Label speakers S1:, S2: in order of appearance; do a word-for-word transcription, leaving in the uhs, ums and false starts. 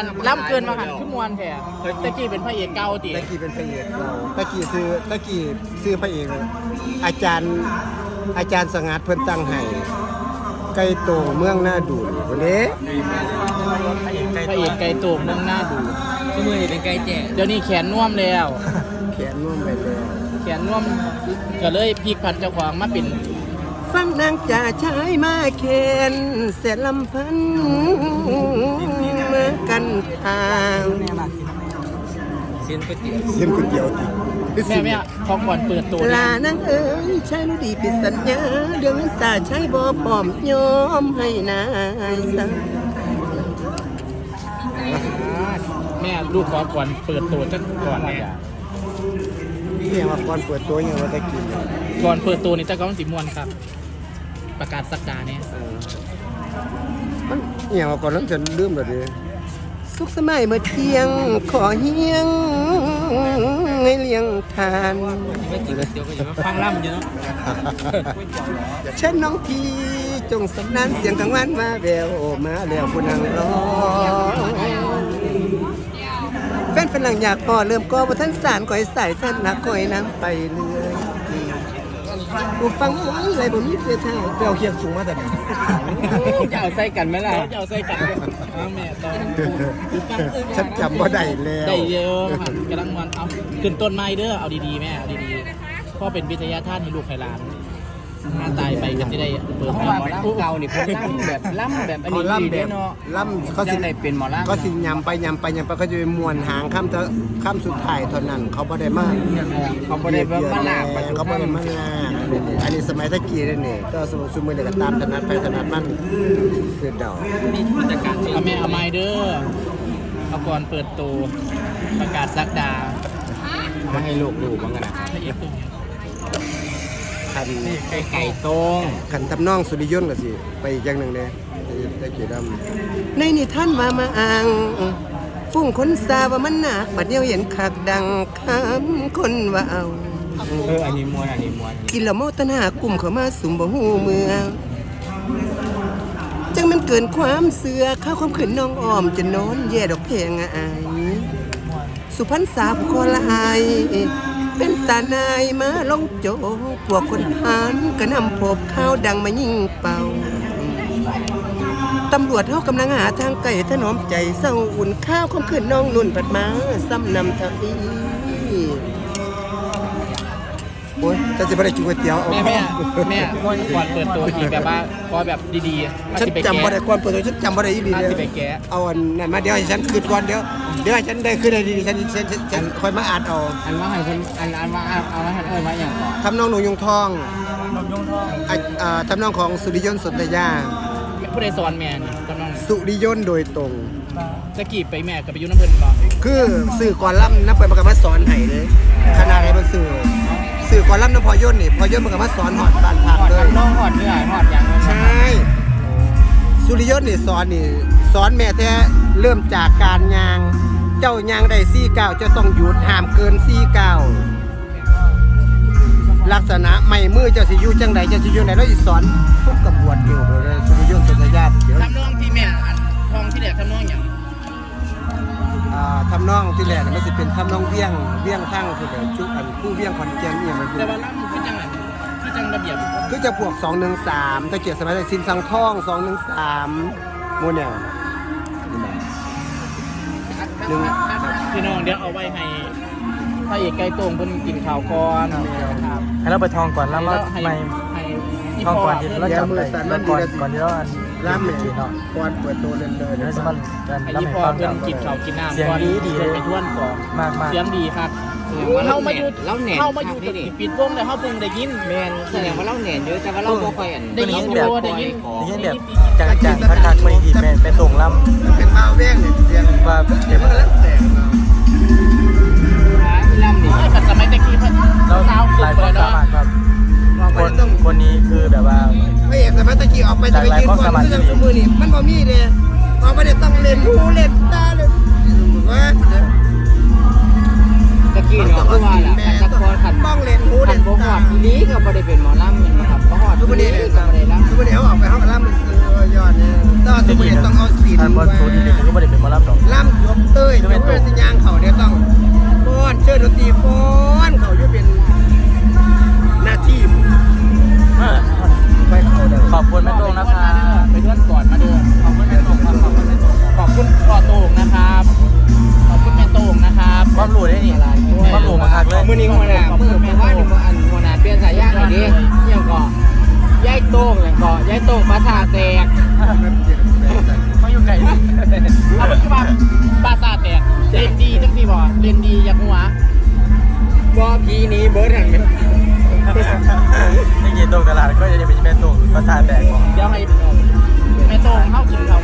S1: นล่ำเกินมาหันขึ้นมวนแท้ตะกี้เป็นพระเอกเก่าติ
S2: ตะกี้เป็นพระเอกเราตะกี้ซื้อตะกี้ซื้อพระเอกอาจารย์อาจารย์สงัดเพิ่นตั้งให้ไก่โตเมืองหน้าดูนคนนี้
S1: พระเอกไก่โตเมืองหน้าดู
S3: ชั่วโมงนี้เป็นไก่แจ่
S1: เดี๋ยวนี้แขนน่วมแล้ว
S2: แขนน่วมไปแล้ว
S1: แขนน่วมก็เลยพลิกผันเจ้าของมาเป็น
S2: ฟังนางจ่าชายมาเคนเสร็จลำพันมากันทาง
S3: เส้นก๋วยเตี๋ยว
S2: เส้นก๋วยเตี๋ยวติ
S1: แม่แม่พอก่อนเปิดตัว
S2: ลา
S1: เนี่ย
S2: นางเอ๋ยชายรู้ดีผิดสัญญาเรื่องน้ำตาชายบ่พร้อมยอมให้นายสัง
S1: แม่ลูกขอก่อนเปิดตัวจักก่อนแม่
S2: เรียกว่าก่อนเปิดตัวยังว่าตะกิน
S1: ก่อนเปิดตัวนี่จักรมันสีม่วนครับ ประกาศสักดาเนี่ย
S2: มันเรียกว่าก่อนแล้วจะลืมแล้วดิสุขสมัยเมื่อเที่ยงขอเฮียงให้เลี้ยงทาน
S3: ไม่กินก๋วยเตี๋ยวก็อย่ามาฟังล่ำอยู่เนาะ
S2: เช่นน้องพี่จงสำนานเสียงกลางวันมาแววมาแล้วผู้นั่งรอแฟนฝรั่งอยากพอเริ่มก็ว่าท่านสารก่อยใส่ท่านนักก่อยน้ำไปเรื่อยกูฟังอะไรบ่มีเพื่อท่าเจ้าเคียงสูงมาแต่ไหน
S3: จะเอาใส่กันไหมล่ะ
S1: จะเอาใส่กันเอาแม่ตอน
S2: ฉันจำว่าได้แล้ว
S1: ได้เยอะครับกำลังมันเอาขึ้นต้นไม้เด้อเอาดีๆแม่เอาดีๆพ่อเป็นวิทยาทานให้ลูกให้หลานหน้าตายไปก็จะได้เปิด
S3: เพราะว่าหมอลำเก่านี่เพิ่นล่ำแบบล่ำแบบอัน
S2: เขา
S3: นี้
S2: ล่ำแบ
S3: ดี
S2: บ
S3: เนาะ
S2: ล่ำเขา
S3: เขา
S2: สิ
S3: สิได้เป็นหมอลำ
S2: ก็สิยำไปยำไปยำไปก็จะเป็นมวนหางข้ามเถอะข้ามสุดท้ายเท่านั้นเขาบ่ได้มาก
S3: เขาบ่ได้แบบมาลากไป
S2: เขาบ่ได้มาลากอันนี้สมัยตะกี้นี่นี่ก็สมุสมุนเด็กตามถนัดไปถนัดมันคือดอก
S3: มีผู้จัดการ
S1: เอาแม่เอาไม้เด้อเอาก่อนเปิดตัวประกาศสักดา
S3: มาให้ลูกดูบ้างกันนะ
S1: พระเอกตัวนี้
S2: คัน
S3: ไก่ไก่ต้ง
S2: คันทำนองสุริยนต์ก็สิไปอีกอย่างหนึ่งเนี่ยตะกี้ดำในนิทานมามาอ่างฟุ้งคนสาว่ามันหนักบัดเดียวเห็นคักดังคำคนว่าเอา
S3: เอออันนี้มวนอันนี้มวน
S2: กินแล้วเมาตัณหากลุ่มเข้ามาสุ่มบ่ฮู้เมืองจังมันเกินความเสือข้าวความขืนน้องอ้อมจะนอนแย่ดอกเพลงอายสุพรรณษาผู้คอลายเป็นตานายมาลงโจพวกคนหานก็นำพบข้าวดังมายิงเป่าตำรวจเฮากำลังหาทางไก่ถนอมใจเศร้าอุ่นข้าวความขืนน้องนุ่นปัดมาซ้ำนำทางนี้โอ้ยจะจะไปได้กินก๋วยเตี๋ยวเอา
S1: แม่แม่แม่ก่อนเปิดตัวอีกแบบว่าขอแบบดีๆมา
S2: ฉัน
S1: สิไป
S2: จำบ่ได้
S1: แกะ
S2: ก่อนเปิดตัวฉันจำบ่ได้อีหลี
S1: มา
S2: เลย
S1: สิไปแกะ
S2: เอาอันนั้นมาเดี๋ยวให้ฉันคืนก่อนเดี๋ยวเดี๋ยวให้ฉันได้คืนได้ดีฉันฉันฉันฉันค่อยมาอ่านเอา
S3: อันว่าให้เพิ่นอันอันว่าเอามาให้เอ้ยมาอย่างก่อน
S2: ทำนองหนูยงทองอ่ะอ่าทำนองของสุริยนต์สนธยา
S1: ผู้ใดสอนแม่นี่กำลัง
S2: สุริยนต์โดยตรง
S1: ตะกี้ไปแม่กับไปอยุ่น้ำเพิ่นบ่
S2: คือสื่อก่อนล่ำนับไปมันก็มาสอนให้เลยขนาดไหนมันสื่อสื่อก่อนล่ำน้ำพอยนต์นี่พอยนต์มันก็มาสอนหอดบ้านพัก
S3: หอด
S2: เลย
S3: น้องหอดเนื้อหอดอย่าง
S2: ใช่สุริยนต์นี่สอนนี่สอนแม่แท้เริ่มจากการยาง เจ้ายางได้สี่เก้าเจ้าต้องหยุดห้ามเกินสี่เก้าลักษณะไม่มือเจ้าสิอยู่จังใดเจ้าสิอยู่ไหนแล้วอีสอนทุกกระบวนเกี่ยวเลยสุริยนต์สนธยาเดี๋ยว
S1: ทำนองที่แม่อันทองที่แหลกทำนองอย่าง
S2: อ่าทำนองที่แรกน่ะมันสิเป็นทำนองเวียงเวียงทั้งคือแบบชุกอันผู้เวียงขอนแก่นเนี่ยมันคือ
S1: แต่ว่าล่ำคือจังไงคือจังระเบียบ
S2: คือจะพวกสองหนึ่งสามตะเกียบสมัยสินสังทองสองหนึ่งสามโมเนี่ยหนึ่ง
S1: พี่น้องเดี๋ยวเอาไว้ให้พระเอกไก่โต้งเพิ่นกินข้าวก่อนครับ
S4: ให้เราไปทองก่อนแล้วมา
S1: ให้
S4: ไม่
S1: ให้อี
S4: ทอง
S1: พ่
S4: ก่อนที่เรา
S2: เดี๋ยว
S4: จำ
S2: มือ
S4: ได้
S2: สั่น
S4: ก่
S2: มั
S4: อน
S2: น
S4: ก่อน
S2: ดี
S4: ก่อนที่เราอัน
S2: ล่าม
S4: เม
S2: เนี่ย
S4: เนาะ
S2: ก่อนเปิดตัวเล่นเลย
S4: เดี๋ยวจะมันกัน
S1: ให้
S4: แล้ว
S1: อี
S4: ไม่
S1: พ่อ
S4: ฟัง
S1: เพิ่
S4: กัน
S1: นกินข้าวกินน้ำ
S4: เสียง
S1: ก่อน
S4: ดีดี
S1: เพิ่
S4: เล
S1: น
S4: ย
S1: ไปทวนก่อน
S4: มากมาก
S1: เสียงดีครับ
S3: ว่า
S1: เฮามาอยู่
S3: เราแหน่
S1: เฮามาอยู่กับปิดวงแล้วเฮาเพิ่งได้ยิน
S3: แมนแสดงว่าเราแหน่นเยอะแต่ว่าเราบ่ค่อยอัน
S1: ได้ยินอยู่ได้ยิน
S4: ได้ยินแบบจังจังคักคักไม่ดีแม่เป็นตรงล
S2: เป็นมาแว่งเนี่ยเรียน
S4: ำว่าเดี๋ยว
S2: มันแล้วแต่
S3: ล่ำนี่
S1: โอ้ยแต่สมัยตะกี้เพิ่น
S4: เรา
S1: สาว
S4: ห
S1: ขึ้
S4: ลาน ย
S1: ไป
S4: ความ
S1: แล้ว
S4: สามารถครับ
S2: เรา
S4: ค
S2: ไม่
S4: น
S2: ต้อง
S4: คนนี้คือแบบว่า
S2: ไม่เอกสมัยตะกี้ออกไปจะไปยืนก่อนเรื่องสมือนี่มันบ่มีเลยออกไปเนี่ยต้องเล่นหูเล่นตาเลยว่า
S3: ตะกี้เนาะเพราะว่าล่ะคันตะกอนคัน
S2: ต้องเล่นหู
S3: คั
S2: เล่
S3: น
S2: น
S3: บ่ฮอ
S2: ตา
S3: ดอีหลีก็บ่ได้เป็นหมอลำแม่นบ่ครับบ่ฮอด
S2: ทุก
S3: อี
S2: วัน
S3: หลี
S2: นี้
S3: ก็บ่ได้ลำ
S2: ทุกวันนี้เขาออกไปเขาก็ล่ำมันซื้อยอดเนี่ยต้องทุกวันนี้ต้องเอาศีล
S4: ทานบอลโซดีเลยก็ไม่ได้เป็นมารับหรอก
S2: ล่ำ
S4: อบคุณแม่โต้งนะคะ
S1: ไปด้วยก่อนมาเด้อ
S4: ขอบคุณแม่โต้งครับขอบคุณแม่โต้งครับ
S1: ขอบคุณพ่อโต้งนะครับขอบคุณแม่โต้งนะครับ
S4: ความรู้ได้นี่ความรู้มาคักเลย
S3: มื้อนี้หัวหน้ามื้อมื้อว่านนี่บ่อันหัวหน้าเปลี่ยนสายยางให้ดิยังก็ย้ายโต้งยังก็ย้ายโต้งปลาท่าแตก
S4: เขาอยู่ไกลนี่
S1: เอาเป็นว่าบาซาแตกเล่นดีจังสิบ่เล่นดีอยากหัว
S3: บ่พีนี้เบิดหั่นแม่
S4: ไม่เกี่ยวตรงตลาดก็จะเป็นแม่โต้งภาษาแตกบอก
S1: เดี๋ยวให้แม่โต้งเข้ากินเขา